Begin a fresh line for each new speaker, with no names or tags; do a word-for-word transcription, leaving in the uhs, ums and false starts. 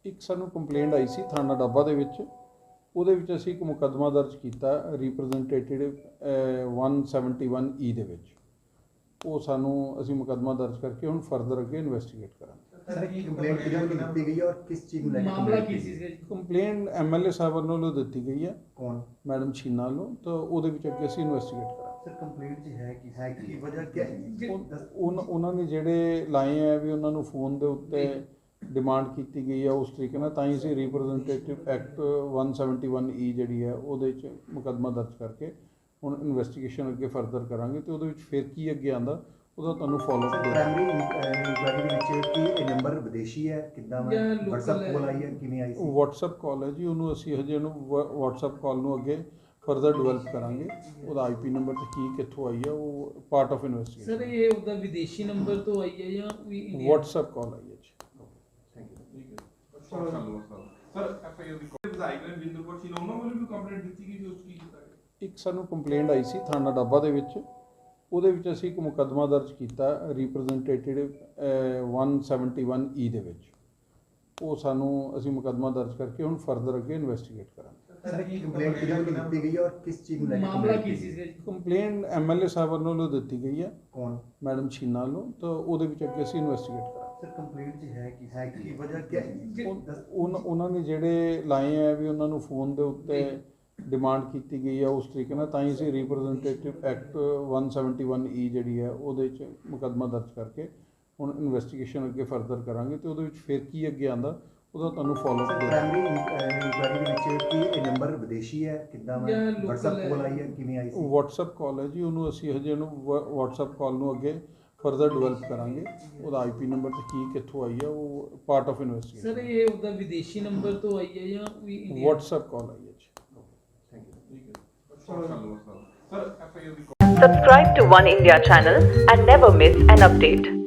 ਇੱਕ ਸਾਨੂੰ ਕੰਪਲੇਂਟ ਆਈ ਸੀ ਥਾਣਾ ਡੱਬਾ ਦੇ ਵਿੱਚ। ਉਹਦੇ ਵਿੱਚ ਅਸੀਂ ਇੱਕ ਮੁਕੱਦਮਾ ਦਰਜ ਕੀਤਾ ਰਿਪਰੈਜ਼ੈਂਟੇਟਿਵ one seventy-one E ਦੇ ਵਿੱਚ। ਉਹ ਸਾਨੂੰ ਅਸੀਂ ਮੁਕੱਦਮਾ ਦਰਜ ਕਰਕੇ ਹੁਣ ਫਰਦਰ ਅੱਗੇ ਇਨਵੈਸਟੀਗੇਟ ਕਰਾਂਗੇ।
सर कंप्लेंट किधर को ਦਿੱਤੀ ਗਈ ਹੈ और किस चीज ਨੂੰ ਲੈ ਕੇ
ਮਾਮਲਾ ਕੀ ਸੀ?
ਕੰਪਲੇਂਟ ਐਮਐਲਏ ਸਾਹਿਬ ਵੱਲੋਂ ਦਿੱਤੀ ਗਈ ਹੈ,
ਕੌਣ
ਮੈਡਮ ਛੀਨਾ ਵੱਲੋਂ। ਤਾਂ ਉਹਦੇ ਵਿੱਚ ਅੱਗੇ ਅਸੀਂ ਇਨਵੈਸਟੀਗੇਟ ਕਰਾਂਗੇ।
ਸਰ ਕੰਪਲੇਂਟ ਜੀ ਹੈ ਕਿ ਹੈ ਕੀ ਵਜ੍ਹਾ ਕੀ ਹੈ?
ਉਹਨਾਂ ਉਹਨਾਂ ਨੇ ਜਿਹੜੇ ਲਾਏ ਹੈ ਵੀ ਉਹਨਾਂ ਨੂੰ ਫੋਨ ਦੇ ਉੱਤੇ ਡਿਮਾਂਡ ਕੀਤੀ ਗਈ ਹੈ ਉਸ ਤਰੀਕੇ ਨਾਲ, ਤਾਂ ਹੀ ਅਸੀਂ representative act one seventy-one E ਜਿਹੜੀ ਹੈ ਉਹਦੇ 'ਚ ਮੁਕੱਦਮਾ ਦਰਜ ਕਰਕੇ ਹੁਣ ਇਨਵੈਸਟੀਗੇਸ਼ਨ ਅੱਗੇ ਫਰਦਰ ਕਰਾਂਗੇ। ਤੇ ਉਹਦੇ ਵਿੱਚ ਫਿਰ ਕੀ ਅੱਗੇ ਆਉਂਦਾ ਉਹਦਾ ਤੁਹਾਨੂੰ ਫੋਲੋ ਅਪ
ਪ੍ਰਾਇਮਰੀ ਇਨਕੁਆਇਰੀ ਦੇ ਵਿੱਚ ਕੀ ਇਹ ਨੰਬਰ ਵਿਦੇਸ਼ੀ ਹੈ, ਕਿੱਦਾਂ WhatsApp ਕਾਲ ਆਈ ਹੈ, ਕਿਵੇਂ ਆਈ ਸੀ?
WhatsApp ਕਾਲ ਹੈ ਜੀ, ਉਹਨੂੰ ਅਸੀਂ ਹਜੇ ਉਹਨੂੰ WhatsApp ਕਾਲ ਨੂੰ ਅੱਗੇ ਫਰਦਰ ਡਿਵੈਲਪ ਕਰਾਂਗੇ। ਉਹਦਾ ਆਈਪੀ ਨੰਬਰ ਤੇ ਕੀ ਕਿੱਥੋਂ ਆਈ ਹੈ ਉਹ ਪਾਰਟ ਆਫ ਇਨਵੈਸਟੀਗੇਸ਼ਨ।
ਸਰ ਇਹ ਉਹਦਾ ਵਿਦੇਸ਼ੀ ਨੰਬਰ ਤੋਂ ਆਈ ਹੈ ਜਾਂ ਵੀ ਇੰਡੀਆ?
WhatsApp ਕਾਲ ਆਈ ਹੈ ਜੀ।
Thank you.
ਠੀਕ ਹੈ ਸਰ ਐਫ ਆਈ ਆਰ ਦੀ ਵਿਧਾਇਕ ਰਣਜਿੰਦਰ ਕੌਰ ਸੀ ਉਹਨਾਂ ਵੱਲੋਂ ਵੀ ਕੰਪਲੇਂਟ ਦਿੱਤੀ ਗਈ ਸੀ, ਉਸ ਕੀ ਕੀਤਾ ਗਿਆ?
ਇੱਕ ਸਾਨੂੰ ਕੰਪਲੇਂਟ ਆਈ ਸੀ ਥਾਣਾ ਡੱਬਾ ਦੇ ਵਿੱਚ। ਉਹਦੇ ਵਿੱਚ ਅਸੀਂ ਇੱਕ ਮੁਕੱਦਮਾ ਦਰਜ ਕੀਤਾ ਰਿਪਰੈਜ਼ੈਂਟੇਟਿਵ one seventy-one E ਦੇ ਵਿੱਚ। ਉਹ ਸਾਨੂੰ ਅਸੀਂ ਮੁਕੱਦਮਾ ਦਰਜ ਕਰਕੇ ਹੁਣ ਫਰਦਰ ਅੱਗੇ ਇਨਵੈਸਟੀਗੇਟ ਕਰਾਂਗੇ।
ਸਰ ਕੰਪਲੇਂਟ ਕਿਧਰ को ਦਿੱਤੀ ਗਈ ਹੈ और किस चीज ਨੂੰ ਲੈ ਕੇ
ਮਾਮਲਾ ਕੀ ਸੀ?
ਕੰਪਲੇਂਟ ਐਮਐਲਏ ਸਾਹਿਬ ਵੱਲੋਂ ਦਿੱਤੀ ਗਈ ਹੈ,
ਕੌਣ?
ਮੈਡਮ ਛੀਨਾ ਵੱਲੋਂ। ਤਾਂ ਉਹਦੇ ਵਿੱਚ ਅੱਗੇ ਅਸੀਂ ਇਨਵੈਸਟੀਗੇਟ ਕਰਾਂਗੇ।
ਸਰ ਕੰਪਲੇਂਟ ਜੀ ਹੈ ਕਿ ਹੈ ਕੀ ਵਜ੍ਹਾ ਕੀ ਹੈ?
ਉਹਨਾਂ ਉਹਨਾਂ ਨੇ ਜਿਹੜੇ ਲਾਏ ਹੈ ਵੀ ਉਹਨਾਂ ਨੂੰ ਫੋਨ ਦੇ ਉੱਤੇ ਡਿਮਾਂਡ ਕੀਤੀ ਗਈ ਹੈ ਉਸ ਤਰੀਕੇ ਨਾਲ, ਤਾਂ ਹੀ ਅਸੀਂ representative act one seventy-one E ਜਿਹੜੀ ਹੈ ਉਹਦੇ 'ਚ ਮੁਕੱਦਮਾ ਦਰਜ ਕਰਕੇ ਹੁਣ ਇਨਵੈਸਟੀਗੇਸ਼ਨ ਅੱਗੇ ਫਰਦਰ ਕਰਾਂਗੇ। ਤੇ ਉਹਦੇ ਵਿੱਚ ਫਿਰ ਕੀ ਅੱਗੇ ਆਉਂਦਾ ਉਹਦਾ ਤੁਹਾਨੂੰ ਫੋਲੋ ਅਪ
ਪ੍ਰਾਇਮਰੀ ਇਨਕੁਆਇਰੀ ਦੇ ਵਿੱਚ ਕੀ ਇਹ ਨੰਬਰ ਵਿਦੇਸ਼ੀ ਹੈ, ਕਿੱਦਾਂ WhatsApp ਕਾਲ ਆਈ ਹੈ, ਕਿਵੇਂ ਆਈ ਸੀ?
WhatsApp ਕਾਲ ਹੈ ਜੀ, ਉਹਨੂੰ ਅਸੀਂ ਹਜੇ ਉਹਨੂੰ WhatsApp ਕਾਲ ਨੂੰ ਅੱਗੇ ਫਰਦਰ ਡਿਵੈਲਪ ਕਰਾਂਗੇ। ਉਹਦਾ ਆਈਪੀ ਨੰਬਰ ਤੇ ਕੀ ਕਿੱਥੋਂ ਆਈ ਹੈ ਉਹ ਪਾਰਟ ਆਫ ਇਨਵੈਸਟੀਗੇਸ਼ਨ।
ਸਰ ਇਹ ਉਹਦਾ ਵਿਦੇਸ਼ੀ ਨੰਬਰ ਤੋਂ ਆਈ ਹੈ ਜਾਂ ਵੀ ਇੰਡੀਆ?
WhatsApp ਕਾਲ ਆਈ ਹੈ ਜੀ।
Thank you.
ਠੀਕ ਹੈ ਸਰ ਐਫ ਆਈ ਆਰ ਦੀ
Subscribe to One India channel and never miss an update.